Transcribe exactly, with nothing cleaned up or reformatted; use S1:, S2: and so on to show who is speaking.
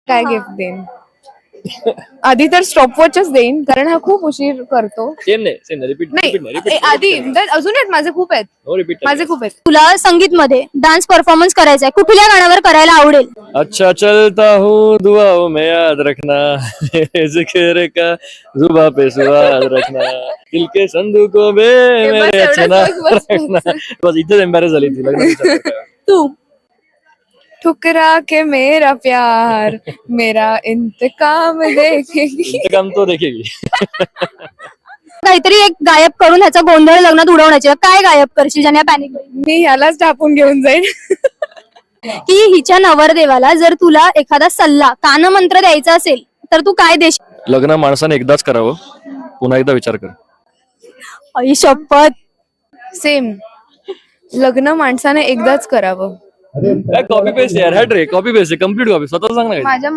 S1: काय गिफ्ट देईन? आधी तर स्टॉपवॉचच देईन, कारण हा खूप उशीर करतो.
S2: सेम नाही सेम नाही रिपीट
S1: नाही ए, आधी तर अजून आहेत माझे खूप आहेत
S2: नो रिपीट
S1: माझे खूप आहेत.
S3: तुला संगीत मध्ये डान्स परफॉर्मन्स करायचा आहे, कुठल्या गाण्यावर करायला आवडेल?
S2: अच्छा चलता हूँ दुआओं में याद रखना जिक्र का जुबा पे सुवाद रखना दिल के संदूकों में
S1: बस
S2: मेरे
S1: एवढंच,
S2: अच्छा
S1: बस, बस, बस.
S2: रखना. बस इथेच एम्बॅरेस झाली ती लग्न विचारता.
S3: तू
S1: ठुकरा के मेरा प्यार मेरा इंतकाम देखेगी.
S2: इंतकाम तो देखेगी.
S3: काहीतरी एक गायब करून ह्याचा गोंधळ लग्नात उडवण्याची, काय गायब करशील ज्याने पॅनिक होईल?
S1: मी ह्यालाच टाकून घेऊन जाईन.
S3: की हिच्या नवरदेवाला जर तुला एखादा सल्ला कानमंत्र द्यायचा असेल तर तू काय देशील?
S2: लग्न माणसाने एकदाच करावं, पुन्हा एकदा विचार कर.
S3: आई शपथ.
S1: सेम, लग्न माणसाने एकदाच करावं.
S2: कॉपी पेस्ट यार, हॅट रे कॉपी पेस्ट कम्प्लीट कॉपी स्वतः सांग ना.
S1: माझ्या